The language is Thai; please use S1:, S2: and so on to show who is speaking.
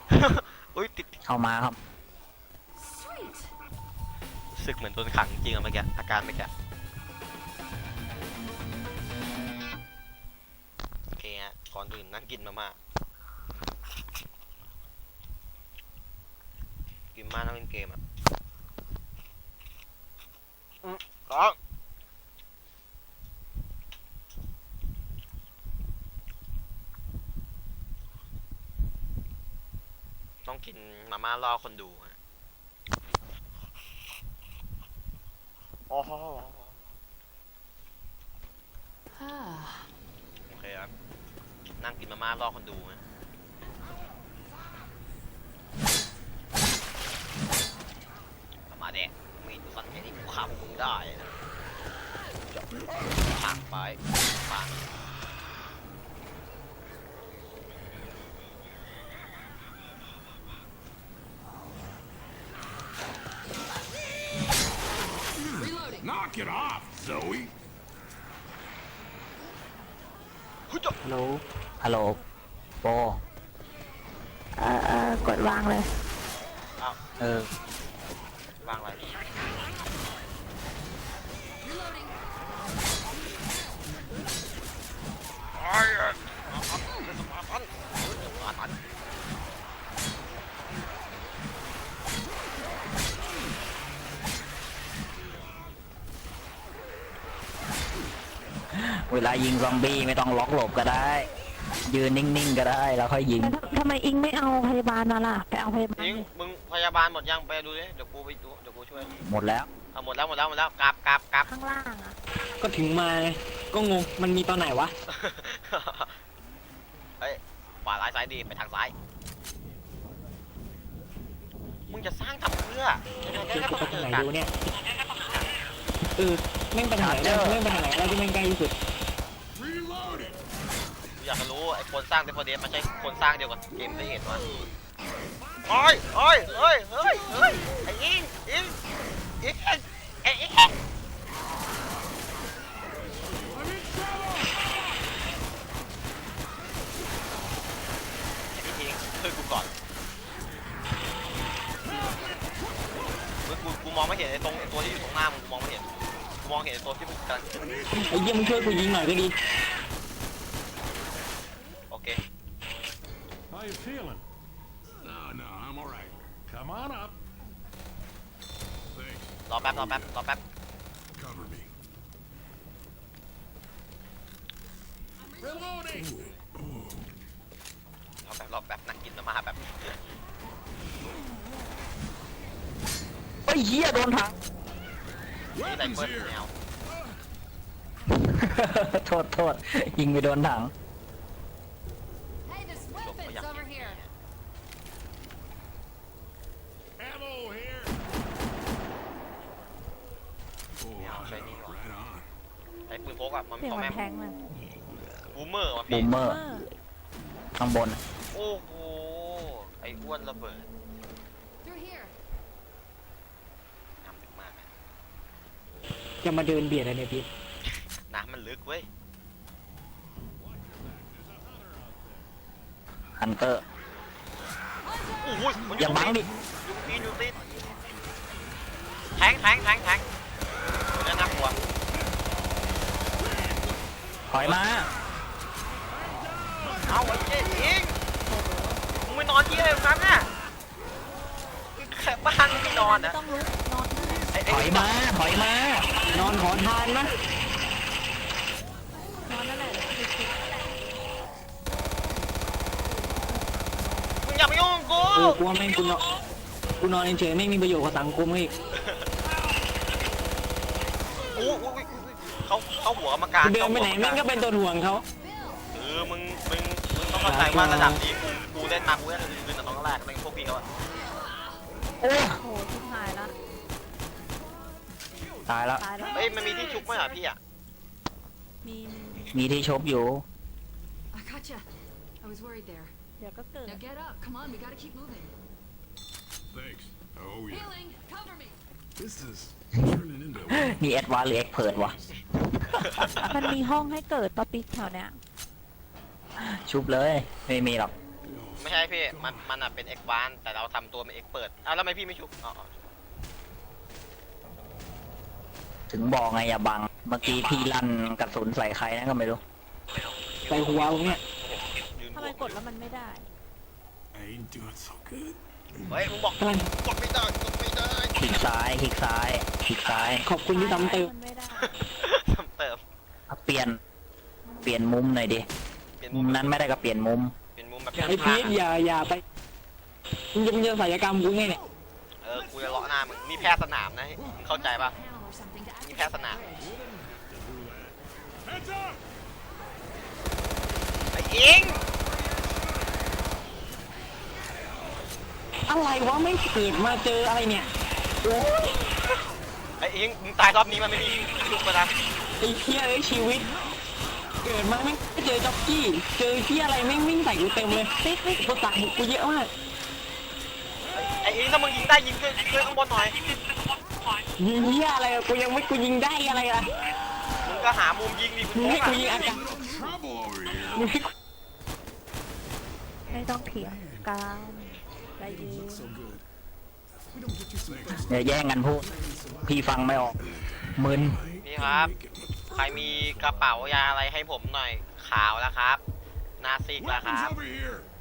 S1: อุ้ยติด
S2: เข้ามาครับ
S1: สึกเหมือนโดนขังจริงอะเมื่อกี้อาการเมื่อกี้โอเคฮะก่อนอื่นนั่งกินมาม่ากินมานั่งเล่นเกมอ่ะก็ต้องกินมาม่าล่อคนดูฮะโอ้โหโอเคครับนั่งกินมาม่าล่อคนดูฮะมาแดกมีดสัตว์แค่นี้กูฆ่าพวกมึงได้นะจะผ่านไปผ่าน
S3: Knock it off, Zoe.
S2: ฮัลโหลฮัลโหลโป
S4: กดวางเลย
S1: อ้าว วางอะไร
S2: เวลายิงซอมบี้ไม่ต้องล็อกหลบก็ได้ ยืนนิ่งๆก็ได้แล้วค่อยยิง
S4: ทำไมอิงไม่เอาพยาบาลมาล่ะไปเอาพยาบาล
S1: ยิงมึงพยาบาลหมดยังไปดูดิเดี๋ยวกูไปดูเดี๋ยวกูช่วย
S2: หมดแล้ว
S1: เอาหมดแล้วกลับ
S4: ข้างล่างอ่ะ
S5: ก็ถึงมาไงก็งงมันมีตอนไหนวะ
S1: เฮ้ยขวาซ้ายดีไปทางซ้ายมึงจะสร้างทำเพื่อยังไง
S5: เดี๋ยว
S1: ก็
S5: กู
S1: ต้อง
S5: ไป
S1: เจ
S5: ทาง
S1: อกัน
S5: ไหนดูเนี่ยแม่งไปทางไหนได้แม่งไปทางไหนได้ที่แม่งใกล้ที่สุด
S3: Reloading.
S1: กูอยากจะรู้ไอ้คนสร้างเดฟเดสมันใช่คนสร้างเดียวกับเกมได้เห็นวะโอ้ยไอ้อิงไอ้อิง
S3: I'm in trouble.
S1: ช่วยกูก่อนกูมองไม่เห็นไอ้ตัวที่อยู่ตรงหน้ามึงกูมองไม่เห็นกูมองเห็นไอ้ตัวที่มึงกำลัง
S5: ไอ้เยี่ยมึงช่วยกูยิงหน่อยก็ดี
S1: โอเค
S3: How you feeling? No, I'm all right. Come on up. Thanks.
S1: รอแป๊บ
S3: Cover me. Reloading.
S1: รอแป๊บนั่งกินมาม่าแบบ
S2: เฮ้ยเหี้ยโดนถัง
S1: นี่ไร
S3: Weapons
S1: เฟิล
S3: here.
S1: แนว
S2: โทษยิงไปโดนถัง
S6: Hey, there's
S1: จบก็
S6: weapons
S1: อยาก
S6: over
S1: เห็น
S6: here.
S3: Ammo here. Oh,
S1: Yeah, shiny one.
S3: right on.
S1: ไอ้ปืนพกอะมัน
S4: เสียง
S1: ของ
S4: มั
S1: แม่
S4: นแทงเลย
S1: บูมเมอร์ว่ะ
S2: บู
S1: พี่
S2: มเมอร์ข้างบน
S1: โอ้โหไอ้อ้วนระเบิด
S6: Through here.
S1: น้ำลึกมาก
S5: จะมาเดินเบียดอะไรเนี่ยพี่
S1: น้ำมันลึกเว้ย
S2: ฮันเตอร์
S1: โอ้โหมัน
S2: อย่าบังดิ
S1: อยู่ตีนแทงตัวนี้น่ากลัว
S2: ถอยมา
S1: เอาไอ้เจ๊ยิงมึงไม่นอนที่อะไรตรงนั้นน่ะแค่บ้านมึงไม่นอน
S4: ไม่
S1: นะ
S4: ต้องลุกนอนนั่นแหละ
S2: ถอยมา
S5: นอนขอทานนะ
S4: นอนนั่นแหละเดี๋ยวไปคิด
S1: มึงอย่ามายุ่งกับกู
S5: กูว่าแม่งกูนอนเฉยๆไม่มีประโยชน์กับสังคมอีก
S1: อู้เขาหัวกรรมการ
S5: กูเดินไปไหนแม่งก็เป็นตัวห่วงเขา
S1: มึงต้องเข้าใจว่าระดับนี้กูเล่นมากูเล่นลื่นแต่ตอนแรกเป็นพวกพี่เขาอะ
S2: โอ้
S4: โอ้โหชิบหายละ
S2: ตายแล้ว
S4: ตายแล้ว
S1: เฮ้ยมันมีที่ชุบไหมอ่ะพี่อ่ะ
S4: มี
S2: มีที่ชบอยู่
S6: I gotcha. I was worried there.
S4: เดี๋ยวก็เกิด
S6: Now get up. Come on, we gotta keep moving.
S3: Thanks. Oh, yeah.
S6: Healing. Cover me.
S3: This is turning into
S2: นี่แอดวานหรือเอ็กเพิร์ดวะ
S4: มันมีห้องให้เกิดปะปิ๊กแถวเนี้ย
S2: ชุบเลยไม่มีหรอก
S3: Oh,
S1: ไม่ใช่พี่มันเป็นเอ็กวานแต่เราทำตัวเป็นเอ็กเปิดอ้าวแล้วทำไมพี่ไม่ชุบอ๋อ
S2: ถึงบอกไงอย่าบัง เมื่อกี้พี่ลั่นกระสุนใส่ใครนะก็ไม่รู้
S5: ใส่หัวผมเนี่ย
S1: ยืน
S4: ทำไมกดแล้วมันไม่ได้
S3: I ain't doing so good.
S1: เฮ้ยมึงบอก
S5: กำลัง
S1: กดไม่ได้กดไม่ได้
S2: คลิกซ้ายคลิกซ้ายคลิกซ้าย
S5: ขอบคุณที่ซ้ำเติม
S4: มันไม่ได้
S1: เติม
S2: เปลี่ยนมุมหน่อยดิ
S1: เปลี่ยน
S2: มุมนั้นไม่ได้ก็เปลี่ยนมุม
S1: เป็นมุมแบบ
S5: ไอพีทอย่าไปมึงจะศัลยกรรมกูไงเนี่ย
S1: กูจะเลาะหน้ามึงนี่แพทย์สนามนะมึงเข้าใจปะ
S6: Panel or something to
S1: นี่
S6: activate
S1: แพทย์สนาม
S3: Heads up!
S1: ไอ้อิง
S5: อะไรวะไม่เกิดมาเจออะไรเนี่ยโอ้ย
S1: ไอ้อิงมึงตายรอบนี้มันไม่มีชุบมานะ
S5: ไอ้เหี้ยเอ้ยชีวิต เกิดมาไม่เจอจ็อกกี้เจอเหี้ยอะไรแม่งวิ่งใส่กูเต็มเลยตัวตัดกูเยอะมาก
S1: ไอ้อิงถ้ามึงยิงได้ยิงขึ้นข้างบนหน่อย
S5: ยิงเหี้ยอะไรอะกูยังไม่กูยิงได้อะไรอะ
S1: มึงก็หามุมยิงดิ
S5: มึงให้กูยิงอากาศ
S3: Trouble over here.
S5: มึงให้กู
S4: ไม่ต้องเถียงกันใจเย็น
S3: So good. We don't get you some fresh
S2: อย่าแย่งกันพูด พี่ฟังไม่ออก มึน
S1: พี่ครับ ใครมีกระเป๋ายาอะไรให้ผมหน่อยขาวแล้วครับหนาซิกแล้วค
S3: weapons
S1: รับ
S3: over here.